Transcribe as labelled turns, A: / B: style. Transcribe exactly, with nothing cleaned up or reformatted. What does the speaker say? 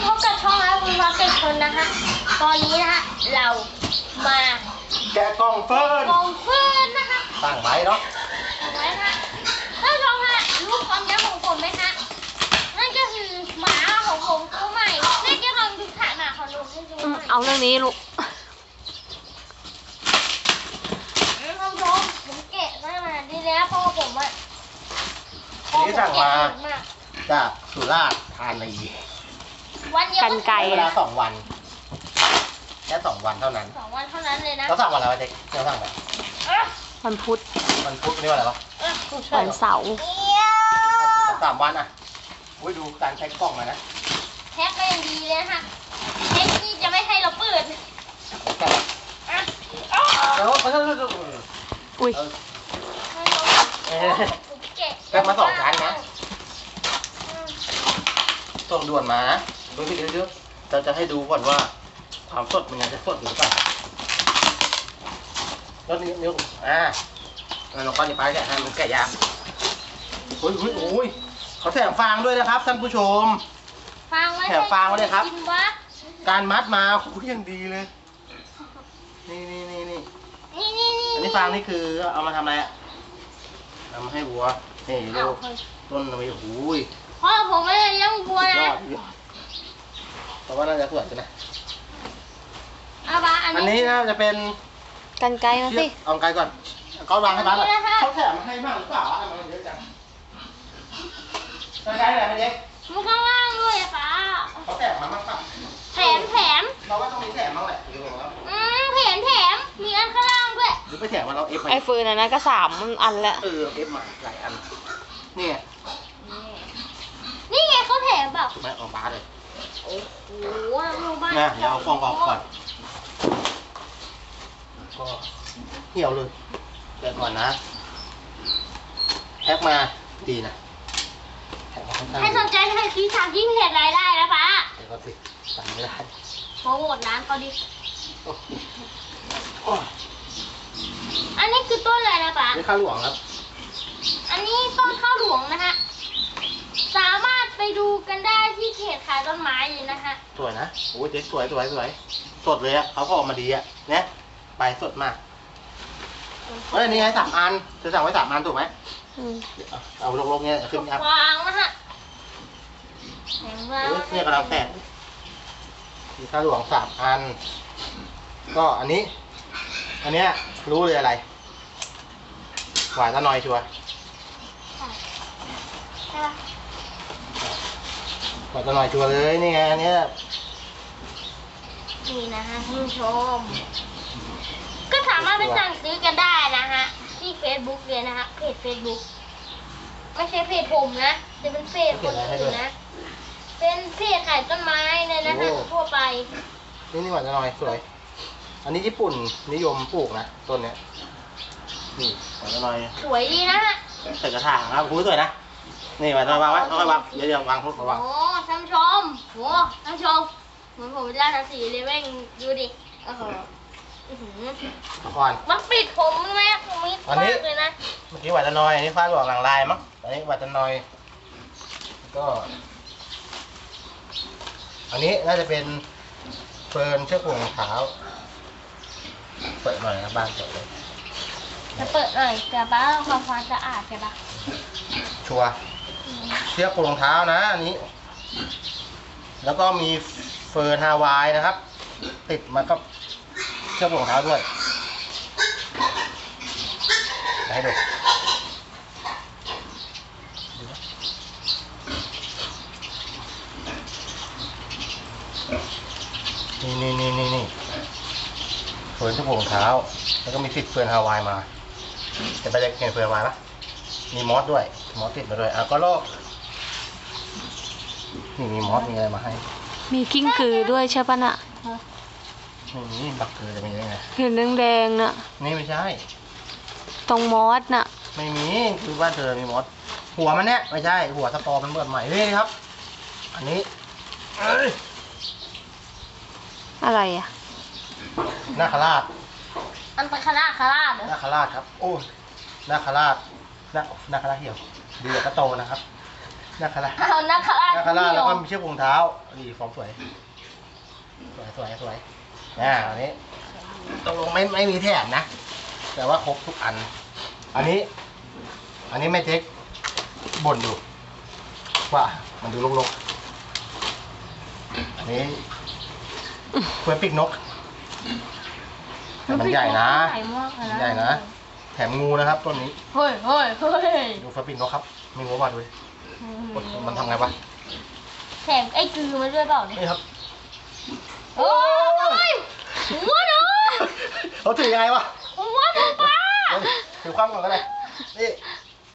A: พบกับช่องแล้วคุณพ่อเกิดชนนะคะตอนนี้นะฮะเรามา
B: แกะกล่องเฟิร์น
A: กล่องเฟิร์นนะคะ
B: ตั้งไว้เนาะ
A: ไว้นะท่านผู้ชมฮะรู้ความยาวของผมไหมฮะนั่นก็คือหมาของผมตัวใหม่นี่จะลองดูถ่ายหมาของลุงให้ดูหน่อย
C: เอาเรื่องนี้ลูก
A: ท่านผู้ชมผมแกะมาขนาดนี้แล้วเพราะว่าผมอะ
B: นี่สั่งมาจากสุราษฎร์ธานี
A: วันเดียว
C: กันไกล
B: เวลาสองวันแค่สองวันเท่านั้น
A: สองวันเท่านั้นเลยนะ
B: เราสั่งวันอะไรวะเด็กเราสั่งไป
C: วันพุธ
B: วันพุธนี่วันอะไรวะ
C: วันเสาร์
B: สามวันอ่ะอุ้ยดูการใช้กล่องมานะ
A: แท็กก็ยังดีเลยนะคะแท็กที่จะไม่ให้เราเปิด
B: แกะแล้วเขาจะ
C: อุ้ย
B: แกะมาสองชั้นนะส่งด่วนมานะดูพี่เดี๋ยวเราจะให้ดูก่อนว่าความสดมันยังจะสดอยู่หรือเปล่าแล้วนิ้วนิ้วอ่าแล้วเราก็จะไปแกะให้มันแกะยากโอ้ยโอ้ยโอ้ยเขาแถมฟางด้วยนะครับท่านผู้ชม
A: ฟางไว้
B: แถมฟางไว้เลยครับ
A: กินวะ
B: การมัดมาโอ้ยยังดีเลยนี่นี่นี่นี่
A: นี่นี่นี่
B: อันนี้ฟางนี่คือเอามาทำอะไรอะเอามาให้วัวนี่ดูต้นมันโอ้ย
A: พ่อผมไม่ได้เลี้ยงวัวย นะ
B: อดยอดแต่ว่าน่าจะสวยใช่ไหม
A: อาบาอัน
B: อัน
A: นี้
B: นี้น่าจะเป็น
C: กันไกลมาสิ
B: เอาไกลก่อนก็วางให้บ้านก่อนเขาแถมมาให้มากหรือเปล่าอ่ะมันเยอะจังไกลๆเลยพี่เด็ก
A: มันข้างล่างด้วยอะป้า
B: เขาแถมมามากป่ะ
A: แถมแถม
B: เราว่าต้องมีแถมบ้างแหละหรือเปล่า
A: อืมแถมแถมมีอันข้างล่างด้วย
B: หรือไปแถมมาเราเอฟมา
C: ไอ้ฟืนอันนั้นก็สามอันแล้ว
B: เออเอฟมาหลายอันนี่ไง
A: นี่ไงเขาแถมแบบ
B: ไม่เอาบ้าเลย
A: โอ้โหโรงพยาบาล
B: นะเดี๋ยวเอาฟองออกก่อนก็เหี่ยวเลยเดี๋ยวก่อนนะแพ็คมาดีนะแพ็คมาค่อนข้าง
A: ให้
B: ดี
A: สนใจให้ซื้อสามยิ่งเพจรายได้นะป้า
B: เดี๋ยวก็สิสั่งไม่ได้
A: โปรโมทร้านเขาดิ
B: โอ้โอ้
A: อันนี้คือต้นอะไรนะป้า
B: นี่ข้าวหลวงครับ
A: อันนี้ต้นข้าวหลวงนะฮะ สามารถไปดูกันได้ที่เพจขายต้นไม้เลยนะฮะ
B: สวยนะโอ้ยเจ๊สวยสวยสวยสดเลยอ่ะเขาก็ออกมาดีอ่ะเนี่ยใบสดมากเฮ้ยนี่ไงสามอันจะสั่งไว้สามอันถูกไหม
C: อืม
B: เอาเอาลงๆเนี่ยขึ้นครับ
A: วางนะฮะแข็งแรง
B: โอ้ยเนี่ยกำลังแตกมีข้าวหลวงสามอัน ก็อันนี้ อันเนี้ยรู้เลยอะไรหวานตะนอยชัวร์
A: ใช่ปะ
B: หวานตะนอยชัวร์เลยนี่ไงอันเนี้ย
A: นี่นะฮะท่านผู้ชม ก็สามารถไปสั่งซื้อกันได้นะฮะ ที่เฟซบุ๊กเลยนะฮะ เพจเฟซบุ๊กไม่ใช่เพจผมนะจะเป็นเพจคนอื่นนะ เป็นเพจขายต้นไม้เลยนะฮะทั่วไป
B: นี่นี่หวานตะนอยสวย อันนี้ญี่ปุ่นนิยมปลูกนะต้นเนี้ยนี่หวานตะนอย
A: สวยดีนะฮะ
B: ใส่กระถางครับคุณสวยนะนี่หวานตะนอยวางไว้ค่อยๆวางเดี๋ยวเดี๋ยววางทุกวาง
A: โอ้ท่านผู้ชมโอ้ท่านผู้ชมเหมือนผมเป็นราชสีห์เลยแม่งดูดิโอ้โหอื้อหือ
B: ก่อน
A: มันปิดผมไหมผมมิด
B: อัน
A: มา
B: นี้
A: กเลยนะ
B: เมื่อกี้หวานตะนอยอันนี้ฟ้าหลวงหลังลายมั้งอันนี้หวานตะนอยก็ อันนี้น่าจะเป็นเฟิร์นเชือกห่วงรองเท้าเปิดหน่อยนะบ้านเปิดเลย
A: จะเปิดหน่อยแต่ป้าทำความความสะอาดใช่ปะ
B: ชัวร์เชือกห่วงรองเท้านะอันนี้ แล้วก็มีเฟิร์นฮาวายนะครับ ติดมากับเชือกห่วงรองเท้าด้วยให้ดูนี่นี่นี่นี่นี่เฟิร์นเชือกห่วงรองเท้า แล้วก็มีติดเฟิร์นฮาวายมาจะไปจะเห็นเฟิร์นฮาวายปะมีมอสด้วยมอสติดมาด้วยอ่ะก็ลอกนี่มีมอสมีอะไรมาให้
C: มีกิ้งกือด้วยใช่ปะน่ะ
B: ไม่มีบักเกอร์จะมีได้ไง
C: เห็นแดงๆน่ะ
B: นี่ไม่ใช่
C: ตรงมอสน่ะ
B: ไม่มีคือบ้านเธอมีมอสหัวมันเนี่ยไม่ใช่หัวสตอมันเบิดใหม่นี่ครับ อันนี้เอ้ย
C: อะไรอ่ะ
B: นาคราช
A: อันเป็นคณะคาราชเหรอ
B: นาคราชครับโอ้ยนาคราชนานาคราชเหี่ยวเดือกระโตนะครับนาคารา
A: เอานาคารา
B: นาคาราแล้วก็มีเชือกผูกเท้านี่ฟอร์มสวยสวยสวยสวยอ่าอันนี้ตกลงไม่ไม่มีแถมนะ แต่ว่าครบทุกอัน อันนี้ อันนี้แม่เจ๊กบ่นอยู่ว่ามันดูรกๆอันนี้เพื่อปีกนกแต่มันใหญ่นะ
A: ใหญ่มากเลยนะ
B: ใหญ่นะ แถมงูนะครับต้นนี้
A: เฮ้ยเฮ้ยเฮ้ย
B: ดูเพื่อปีกนกครับ มีงูมาด้วยมันทำไงวะ
A: แถมไอ้กือมาด้วยเปล่าเนี่ย
B: นี่ครับ
A: โอ้ยหัวหนู
B: เขาถือยังไงวะ
A: หัวหนูปลา
B: เฮ้ยถือความก่อนก็ได้นี่